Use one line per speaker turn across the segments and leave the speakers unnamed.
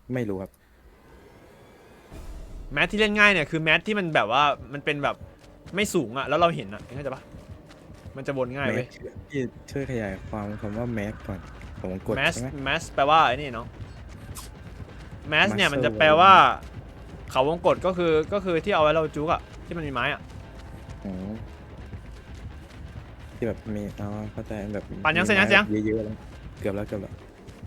ไม่รู้ครับ
แมทที่เล่นง่ายเนี่ยคือแมทที่มันแบบว่ามันเป็นแบบไม่สูงอะแล้วเราเห็นอะเข้าใจปะมันจะวนง่าย
แม็
เว้
ก
ย
พี่ช่วยขยายความคำว่าแม็กก่อนผมกด
แมส
ใช่ไหม
แมสแปลว่าไอ้นี่เนาะแมสเนี่ยมันจะ
Muscle
แปลว่าเขาวงกตก็คือที่เอาไว้เราจุกอะที่มันมีไม้อะ
อ๋อที่แบบมีเข้าใจแบบ
ปั่นยัง
มี
เสร็จยัง
ไม้
เสียง
เยอะๆแล้วเกือบแล้วเสร็จแล้ว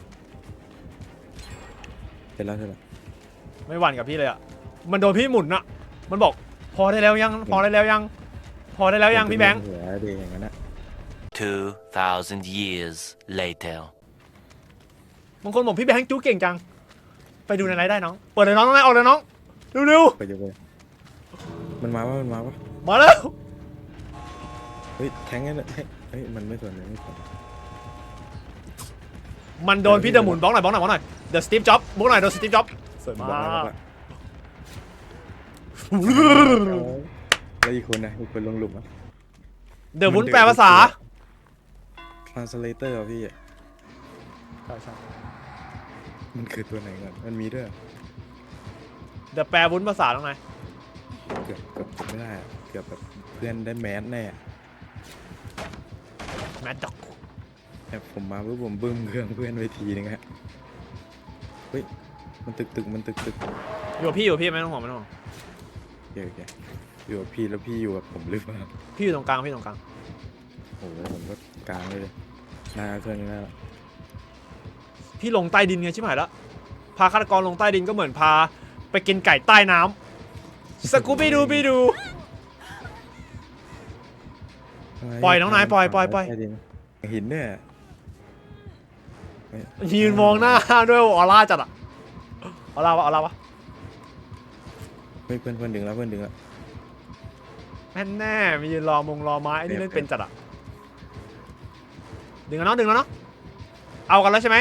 ไม่หวั่นกับพี่เลยอะมันโดนพี่หมุนอะมันบอกพอได้แล้วยังพอได้แล้วยังพอได้แล้วยังพี่แบงค์
หัวดีอย่างนั้นนะ
2,000 years later.
บางคนบอกพี่แบงค์จุกเก่งจังไปดูในไลฟ์ได้น้องเปิดเลยน้องออกเลยน้องเร็ว
ไปไปมันมาว่า
ๆมาแล้ว
เฮ้ยแทงกันเฮ้ยมันไม่สนเลยไม่สน
มันโดนพี่เดอะหมุนบล็อกหน่อยเดอะสตีฟจ็อบบล็อกหน่อยเดอะสตีฟจ็อบสวยมาก
แล้วอีกคนนะอีกคนลงหลุมอ่ะ
เดอะวุ้นแปลภาษา
translator อ่ะพี่
ใช่
มันคือตัวไหนก่อนมันมีด้วย
เดอะแปลวุ้นภาษาตรงไหน
เกือบไม่ได้อะเกือบแบบเพื่อนได้แมสแน่
แมดด็อก
แต่ผมมาปุ๊บผมบึ้มเครื่องเพื่อนไว้ทีนึงฮะเฮ้ยมันตึกมันตึก
อยู่กับพี่ไม่ต้องห่วง
โอเคอยู่กับพี่แล้วพี่อยู่กับผมหรือเปล่า
พี่อยู่ตรงกลาง
โอ้โหผมก็กลางเลยหน้าเครื่องนี้แล้ว
พี่ลงใต้ดินไงชิบหายแล้วพาฆาตกรลงใต้ดินก็เหมือนพาไปกินไก่ใต้น้ำสกูบี้ดูปล่อยน้องนายปล่อย
หินเนี่ย
ยืนมองหน้าด้วยออร่าจัดอะออร่าวะ
เฮ้ยเพื่อนดึงแล้ว
แน่มียืนรอไม้ไอ้นี่เล่นเป็นจัดอะดึงแล้วเนาะเอากันแล้วใช่ไหม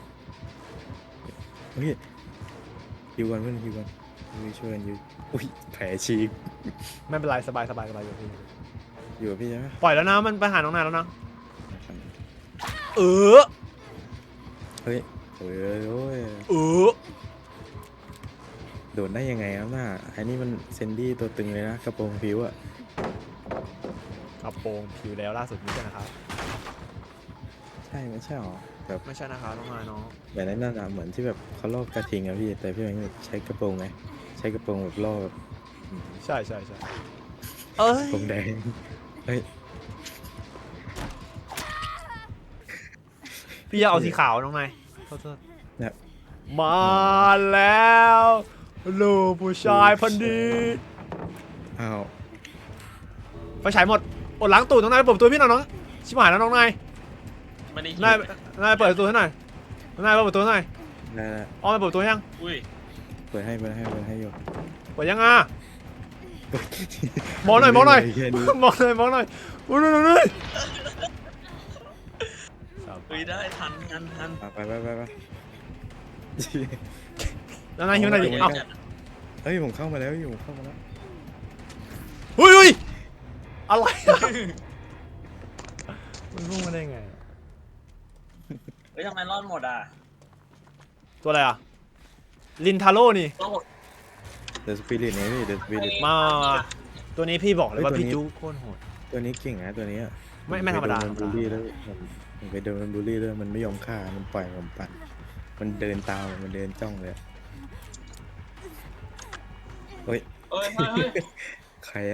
เฮ้ยฮิวกันเพื่อนฮิวกันช่วยกันฮิวอุ้ยแผลฉีก
ไม่เป็นไรสบายอยู่พี่
อยู่กับพี่ใช่ไหม
ปล่อยแล้วนะมันไปหาน้องนายแล้วนะเออ
เฮ้ยโอ้ยโดดได้ยังไงครับน่าไอ้นี่มันเซนดี้ตัวตึงเลยนะกระโปรงผิวอะ
กระโปรงผิวแล้วล่าสุดนี้ใช่นะครับ
ใช่ไม่ใช่หรอแบบ
ไม่ใช่นะครับน้องนายน้อง
แบบนั้นน่ะเหมือนที่แบบเขาลอกกระทิงอะพี่แต่พี่แบงค์ใช้กระโปรงไงใช้กระโปรงแบบล่อแบบ
ใช่เอ้ย
กระโปรงแดงเฮ้ย
พี่จะเอาสีขาวน้องนายโทษ
เนี่ย
มาแล้วลูกผู้ชายพันดี
อ้าว
ไฟฉายหมดอดล้างตูดน้องนายเปิดประตูพี่หน่อยน้องชิบหายแล้วน้องนาย
ไม่ได้
นายเปิดประตูให้หน่อยนายเปิดประตูให้หน่อย
ได้
อ้อมไปเปิดประตูยัง
อุ้ย
เปิดให้อยู่
เปิดยังอ่ะมองหน่อยมองหน่อย
แค่นี้
อุ้ยนู่น
อุ้ยได้ทัน
ไป
แล้วนายหิวหน่อยดิ
โอ้ย
เอ้า
เฮ้ยผมเข้ามาแล้วอยู่เข้ามาแล้ว
อุ้ยอะไรอะมันพุ่งมาได้ไง
เฮ้ยทำไมรอดหมดอ่ะ
ตัวอะไรอ่ะลินทาโร่นี่
รอดหมด
เดอะสปิริตเนี่ยพี่เดอะสปิริต
มาตัวนี้พี่บอกเลยว่า
เฮ้ย
พี่
ตัวนี้
จูโคตรโหด
ตัวนี้เก่งนะตัวนี้อะ
ไม่ธรรมดา
ผไปโนนบูลลี่แล้วผมไปโดนมันบูลลี่ด้วยมันไม่ยอมฆ่ามันปล่อยผมปั่นมันเดินตามมันเดินจ้องเลยเฮ้ย
เฮ้ย
ใครอะ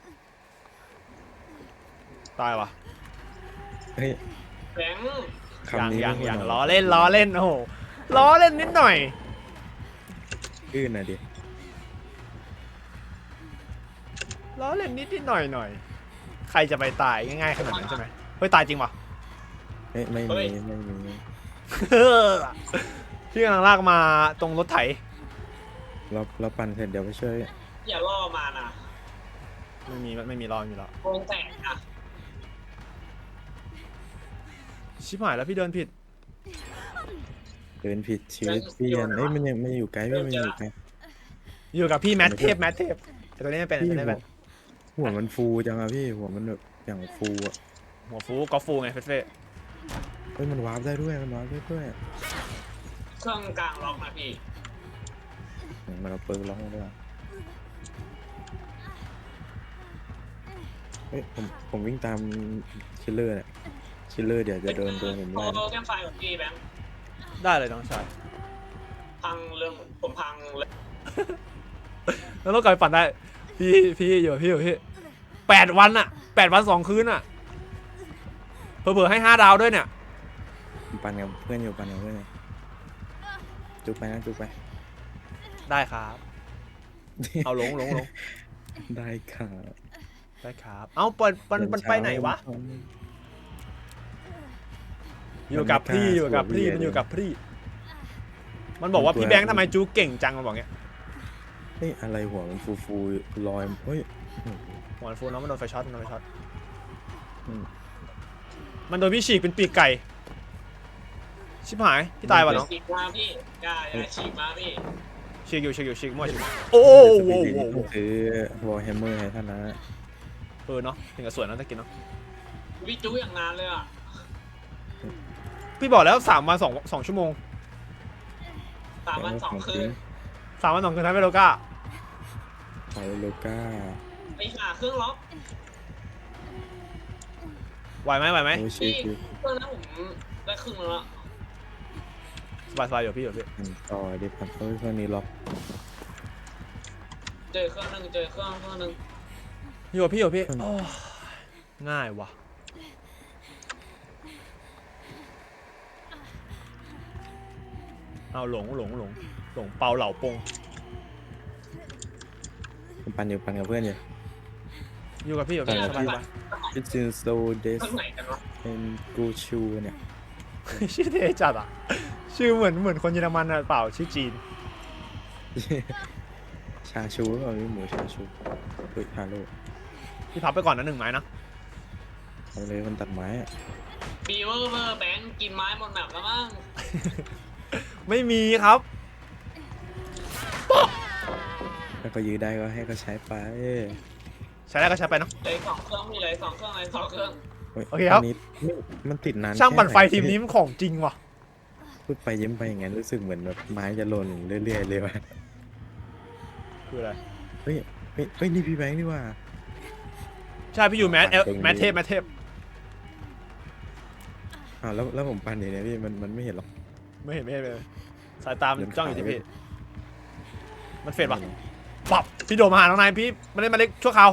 ตายวะ
เฮ้ย
แบงค์
คำนี้
อย่าง
ไม่ควร
ล้อเล่นโอ้โหล้อเล่นนิดหน่อย
อื้อน่ะดิ
ล้อเล่นนิดหน่อยใครจะไปตายง่ายๆขนาดนั้นใช่ไหมเฮ้ยตายจริงปะ
เฮ้ยไม่มี
พี่กำลังลากมาตรงรถไถ
เราปั่นเสร็จเดี๋ยวไปช่วย
อย่าล่อมานะ
ไม่มีรอไม่มีรอ
โกงแตกอ่ะ
ชิบหายแล้วพี่เดินผิด
เดินผิดชีวิตเปลี่ยนเอ้ยมันยังไม่อยู่ไกลพี่มันอยู่ไกล
อยู่กับพี่แมทเทพแต่ตัวนี้ไม่เป็น
พี่
ตัวนี้ไม่เป็น
หัวมันฟูจังอะพี่หัวมันแบบอย่างฟูอะ
หัวฟูกอล์ฟฟูไงเฟ่
เฮ้ยมันวาร์ปได้ด้วย
เครื่องกลางล็อกนะพี่
มันเอาเปิร์กล็อกมาด้วยเฮ้ยผมวิ่งตามคิลเลอร์เนี่ยคิลเลอร์เดี๋ยวจะโดนผม
โอ้
ไล่นะ
แก้มไฟของพี่แบงค์
ได้เลยน้องชาย
พังเรื่องผมพังเลย
แล้วรถไฟปั่นได้พี่อยู่พี่8 วันอะ8 วัน 2 คืนอะเผื่อๆให้5 ดาวด้วยเนี่ย
ผมปั่นกับเพื่อนอยู่ปั่นกับเพื่อนอยู่จุกไปนะจุกไป
ได้ครับ เอาลง
ได้ค่ะ
ได้ครับ เอามันไปไหนวะ อยู่กับพี่มันอยู่กับพี่ มันบอกว่าพี่แบงค์ทำไมจูเก่งจังมันบอกเงี้ย
เฮ้ยอะไรหัวมันฟูลอยเฮ้ย
หัวฟูน้องมันโดนไฟช็อตอืม
ม
มันโดนพี่ฉีกเป็นปีกไก่ชิบหายพี่ตายวะน้อง
ฉีกมาพี่กล้าอย่าฉีกมาพี่
ฉีกมั่วฉีกโอ้โห
คือวอลแฮมเมอร์ให้ท่านนะ
เนาะถึงกับสวยนะตะกี้เนาะ
วิจูอย่างนานเลยอ่ะ
พี่บอกแล้ว3 วัน2 ชั่วโมง
3 วัน 2 คืน
3 วัน 2 คืนท้ายไปโลก้า
ไปโลก้า
ไปหาเครื่องล็อก
ไหวไหม
โอ้ชิ
พี่เครื่องนั้นผมได้ครึ่งแล้ว
สบายอยู่พี่
ต่อดิพันเครื่องนี้ล็อก
เจอเครื่องนึง
อยู่พี่โอ้ง่ายว่ะเอาหลงเปาเหล่าปง
ผมปั่นกับเพื่อนอยู่
อยู่กับพี่สบาย
It's in so des
เครื่องไหนกันวะ
and go chu เนี่ย
ชื่อเท่จัดอ่ะชื่อเหมือนคนเยอรมันอ่ะเปล่าชื่อจีน
ชาชูหรือเปล่ามีหมูชาชูเฮ้ยฮาโล
พี่พับไปก่อนนะ1 ไม้นะ
เอาเลยมันตัดไม้อะ
บีเวอร์แบงค์กินไม้หมดแบบแล้วมั้ง
ไม่มีครับ
ถ้าก็ยื้อได้ก็ให้ก็ใช้ไป
ใช้ได้ก็ใช้ไปเนาะ
เลย2 เครื่องมีเลย2 เครื่องเลย2 เครื่อง
ฮ้ย
โอเคครับ
นนี้มันติดนาน
ช่างปั่นไฟ
แค่ห
ทีมนี้มันของจริงว่ะ
พูดไปยิ้มไปอย่างงั้นรู้สึกเหมือนแบบไม้จะหล่นเรื่อยๆเลยว่ะ
คืออะไร
เฮ้ยนี่พี่แบงค์นี่ว่า
ใช่พี่อยู่แมทเทพ
อ้าวแล้วผมปั่นอย่างเนี้ยพี่มันไม่เห็นหรอก
ไม่เห็นเลยสายตามันจ้องอยู่ที่พี่มันเฟดปะ
ไม่เห็น
ปับพี่โดดมาหาน้องนายพี่มาเล็กชั่วคราว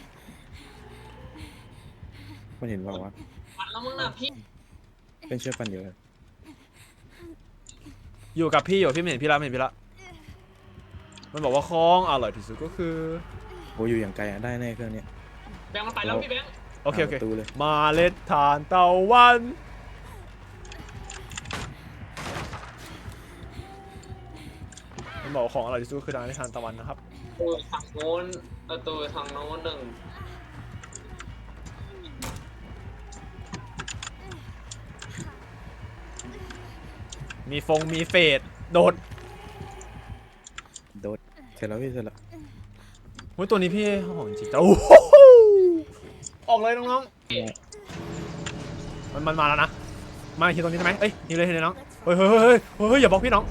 มันเห็นเปล่าวะ
มันแล้วมึงน่ะพี่
เป็นเชื่อปั่นอยู่เลย
อยู่กับพี่ไม่เห็นพี่ละมันบอกว่าคล้องอร่อยที่สุดก็คือ
โอ้อยู่อย่างไกลอะได้แน่เครื่องเนี้ย
แบงค์มันไปแล้วพี่แบงค์
โอเค
ประตูเลย
มาเล็ดทานตะวันมันบอกว่าของอร่อยที่สุดก็คือทานทานตะวันนะครับ
ประตูทางโน้นหนึ่ง
มีเฟดโดด
โดดเสร็จแล้วพี่เสร็จแล้ว
โอ้ยตัวนี้พี่ของจริงๆโอ้โหออกเลยน้องๆมันมาแล้วนะมาฮิวตรงนี้ใช่ไหมเอ้ยฮิวเลยน้องเฮ้ยอย่าบล็อกพี่น้อง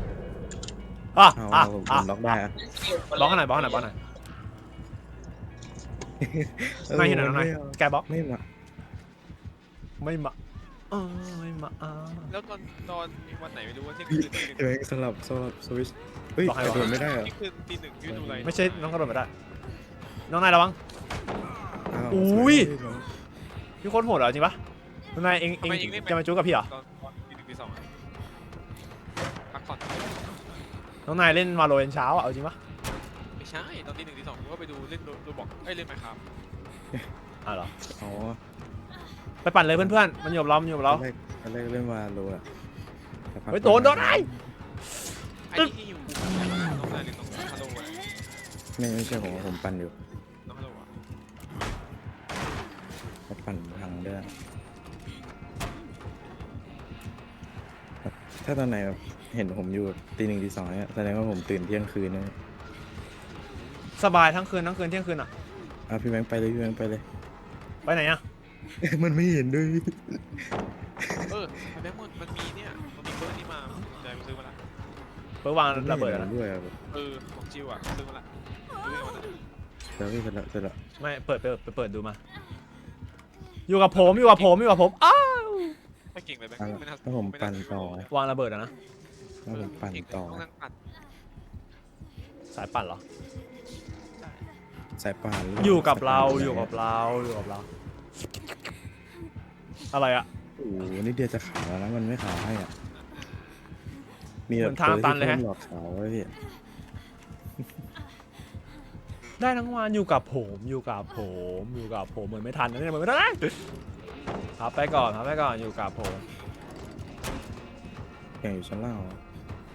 ผมล็อกได้อะ
บล็อกหน่อยนายฮิวหน่อยน้องนายแกบล็อก
ไม่มา
ไม่มา
แล้วตอนมีวันไหนไม่รู้ว่าเที่ยงคืนตีหนึ่ง
เดี๋ยวสลับสวิตช์เฮ้ยกระโดดไม่ได้เหรอ
เที่ยงคืนตีหนึ่งยืนดูอะไร
ไม่ใช่น้องกระโดดไม่ได้น้องนายระวัง
อ้าว
อุ้ย
สว
พี่โคตรโหดเหรอจริงปะน้องนายเองจะมาจู้กับพี่เหรอ
ตอนตีหนึ่งตีสองพักผ่อน
น้องนายเล่นวาโลเช้าอ่ะเอาจริงปะ
ไม่ใช่ตอนตีหนึ่งตีสองผมก็ไปดูเล่นดูบอกเล่นไหมครับ
เหรอ
อ๋อ
ไปปั่นเลยเพื่อนๆมันอยู่กับเรา
ตอนแรกเล่นวาโลอะสักพัก
เฮ้ยโดนไอ้
ไอ้ที่อยู่น้องนายหรือน้องฮัลโหลอะ
ไม่ใช่ผมปั่นอยู่
น้องฮัลโหลอะ
เขาปั่นพังด้วยถ้าตอนไหนแบบเห็นผมอยู่ตีหนึ่งตีสองเนี่ยแสดงว่าผมตื่นเที่ยงคืนนะ
สบายทั้งคืนเที่ยงคืนอ่ะ
พี่แบงค์ไปเลยพี่แบงค์ไปเลย
ไปไหนอ่ะ
มันไม่เห็นด้วย
แบงค์มันมีเนี่ยมันมีเบอร์นี้มาเดี๋ยวไปซื้อมาละ
เปิร์กวางระเบิดนะ
ด้วย
ของจิวอ่ะซื้อมาละซื้อมาละ
เดี๋ยวพี่เสร็จแล้ว
ไม่เปิดดูมาอยู่กับผมอ้าว
ไม่เก่งเลยแบง
อ่ะ
ค์ไม่น่า
ถ้าผมปั่นต่อ
วางระเบิดอะนะ
ถ้าผมปั่นต่อ
ต้องนั่งปั่น
สายปั่นเหรอ
สายป่านหรื
อยู่กับ
สย
เรา
ป่น
อยู่กับเราอะไรอะ
โอ้โหนี่เดียวจะขาวแล้วนะมันไม่ขาวให้อ่ะมี
เห
แบ
มื
บ
อนทางตันเลยฮะ
พิ่มหลอกขาวไว้พี่
ได้ทั้งวันอยู่กับผมเหมือนไม่ทันนะเนี่ยเหมือนไม่ทันนะพับไปก่อนอยู่กับผม
แข่งอยู่ชั้นล่างเหรอ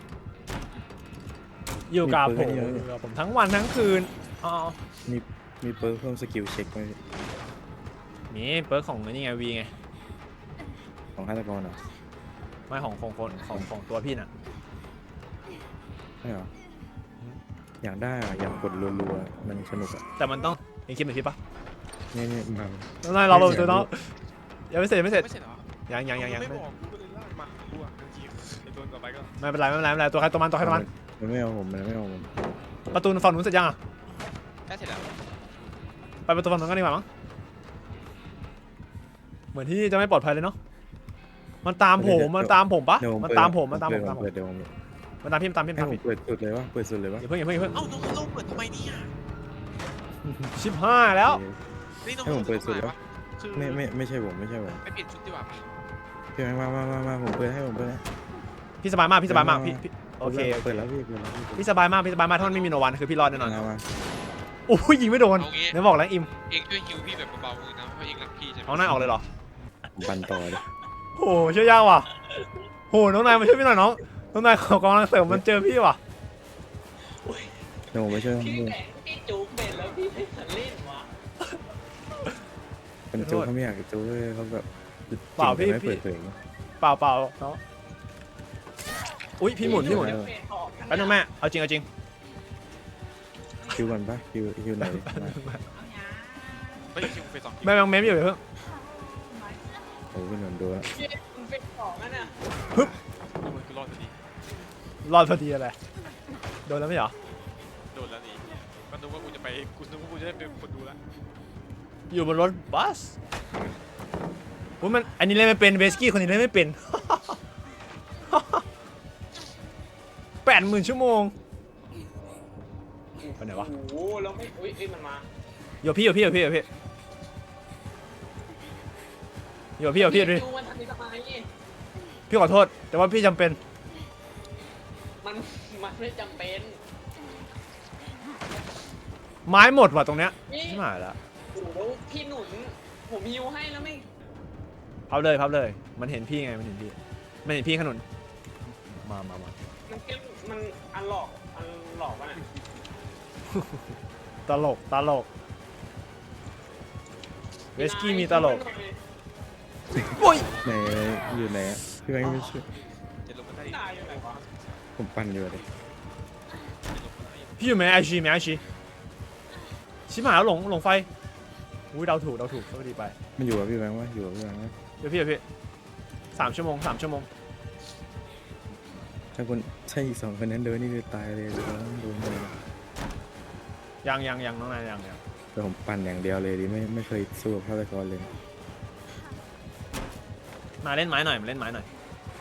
อยู่กับ
มี
ผ
ปื
ม
นให้เยอะ
อยู่กับผมทั้งวันทั้งคืนอ๋อ
มีเปิร์กเพิ่มสกิลเช็คไหมพี่
มีเปิร์กของนี่ไงวีไง
ของฆาตกรเหรอ
ไม่ของตัวพี่น่ะ
ใช่เหรออยากได้อะอยากกดรัวๆมันสนุกอ่ะ
แต่มันต้องเองคิดเหมือนพี่ปะ
เนี่ยมา
นายเราตัวน้องยังไม่เสร็จ
ไม่เสร็จเหรอ
ยัง
ไม่บอกกูก็เลยลากมากูอ่ะบางทีไอ้ตัวต่อไปก็
ไม่เป็นไรตัวใครตัวมัน
มันไม่เอาผมมันไม่เอาผม
ประตูฝั่งนู้นเสร็จยังอ่ะ
ได้เสร็จแล้ว
ไปประตูฝั่งนู้นกันดีกว่ามั้งเหมือนที่จะไม่ปลอดภัยเลยเนาะมันตามผมปะ
เดี๋ยว
มันตามผม
เปิดเดี๋ยวผม
มันตามพี่
ให้ผมเปิดสุดเลยวะเปิดสุดเลยวะ
อย่าเพิ่ง
เอ้าน้องฮัลโหลเปิดทำไมเนี่ย
ชิบห้าแล้ว
นี่น้อง
ให้ผมเปิดสุดแล้ว
คือ
ไม่ใช่ผม
ไปเปลี่ยนชุดดีกว่าปะ
พี่มาผมเปิดให้ผมเปิดให้
พี่สบายมากพี่โอเค
เปิดแล้วพี่
พี่สบายมากถ้ามันไม่มีโนวันคือพี่รอดแน่นอน
มา
โอ้ยยิงไม่โดน
เอางี้
เดี๋ยวบอกแล้วอิม
เองช่วยฮิวพี่แบบเบาๆมือนะเพราะเองรักพี่ใช่ไหม
เอาหน้าออกเลยเหรอ
ผมปั่นต่อเลย
โอ้ช่วยยากว่ะโหน้องนายมาช่วยพี่หน่อยน้องนายขอกำลังเสริมมันเจอพี่ว่ะ
เดี๋ยวผมไปช่วย
พี่แบงค์พี่จูเป็นแล้วพี่ไม่ทันเล่นวะ
เป็นจูเขาไม่อยากจูเลยเขาแบบไม่เปิดเผย
เปล่าเนาะอุ้ยพี่หมุน
เป็นออก
แป๊บนึงแม่เอาจริง
คิวก่อนปะคิวไหน
ไม่ฮิวไปสองคิว
แม่ยังเมมอยู่เพิ่ง
โอ้พี่หนนโดน
พี่มันเป็นของนั่นน่ะ
มันคือรอดพอดี
รอดพอดีอะไรโดนแล้วไม่เหรอ
โดนแล้วนี่ก็นึกว่ากูจะได้เป็นคนดูแล้ว
อยู่บนรถบัสโอ้ยมันอันนี้เล่นไม่เป็นเวสกี้คนนี้เล่นไม่เป็น 80,000 ชั่วโมงไปไหนวะ
โอ้โหแล้วไม่อุ้ยมันมา
อยู่พี่ดูดิ
จูมันทำทำไม
พี่ขอโทษแต่ว่าพี่จำเป็น
มันไม่จำเป็น
ไม้หมดว่ะตรงเนี้ย
นี่
ไม่มาแล้ว
โอ้โหพี่หนุนผมฮิวให้แล้วไม่
พับเลยมันเห็นพี่ไงมันเห็นพี่ขนุนมา
มันแค่มันอันหลอกวะเนี่ย
ตลกเวสกี้มีตลกโอ้ย
ไหนอยู่ไหนพี่แบงค์ไม่ช่วย
จะลงมาได้
ตายอยู่ไหนวะ
ผมปั่นอยู่เลย
พี่อยู่ไหมไอชีชิบหายแล้วหลงไฟอุ้ยเดาถูกสวัสดีไป
มันอยู่กับพี่แบงค์วะอยู่กับพี่แบงค์วะ
เดี๋ยวพี่3 ชั่วโมง
ถ้าอีก2 คนนั้นโดนนี่คือตายเลยโดนเลย
ยังน้องนายยัง
แต่ผมปั่นอย่างเดียวเลยดิไม่เคยสู้กับฆาตกรเลย
มาเล่นไม้หน่อยมาเล่นไม้หน่อย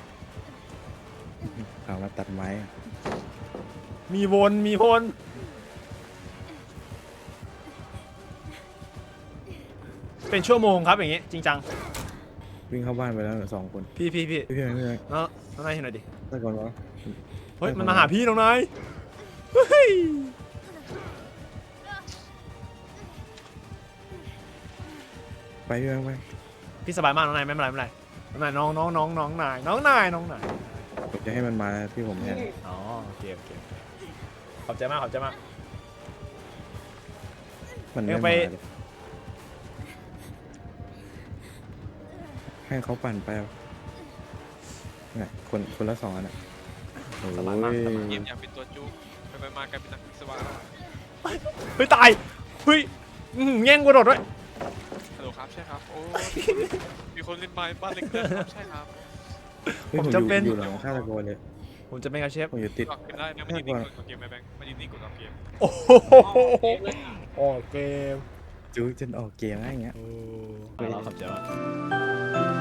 ถามว่าตัดไม้อะ
มีวนเป็นชั่วโมงครับอย่างงี้จริงจัง
วิ่งเข้าบ้านไปแล้ว2 คน
พี่
พี่แบงค์
น้องนายเห็นหน่อยดิ
ฆาตกรวะ
เฮ้ยมันมาหาพี่น้องนายเฮ้ย
ไปพี่แบงค์ไป
พี่สบายมากน้องนายไม่เป็นไรน้องนาย
ผมจะให้มันมาที่ผมเนี่ย
อ๋อโอเคขอบใจมาก
มันไม่
เอ้ยไป
มาเลยให้เขาปั่นไปเอาเนี่ยคนละ2 อันอ่ะโอ้ย
เกมอยากเป็นตัวจูไปมากลายเป็นนักวิศวะ
เฮ้ยตายเฮ้ยแย่งกระโดดด้วย
ฮัลโหลครับใช่ครับโอ้มีคนเล่นไม้บ้านเล็กเกินครับใช่ครับ
เฮ้ยผมอยู่หลังฆาตกรเลย
ผมจะเป็นกับเชฟ
ผมอยู่ติด
กดเกมได้แบงค์มันยืนนิ่งกดเกมไหมแบงค์มันยืนนิ่งกดเกม
โอ้โหออกเกม
จู๊จนออกเกมอะไรอย่างเงี้ย
โอ้เราขับเจ๋ง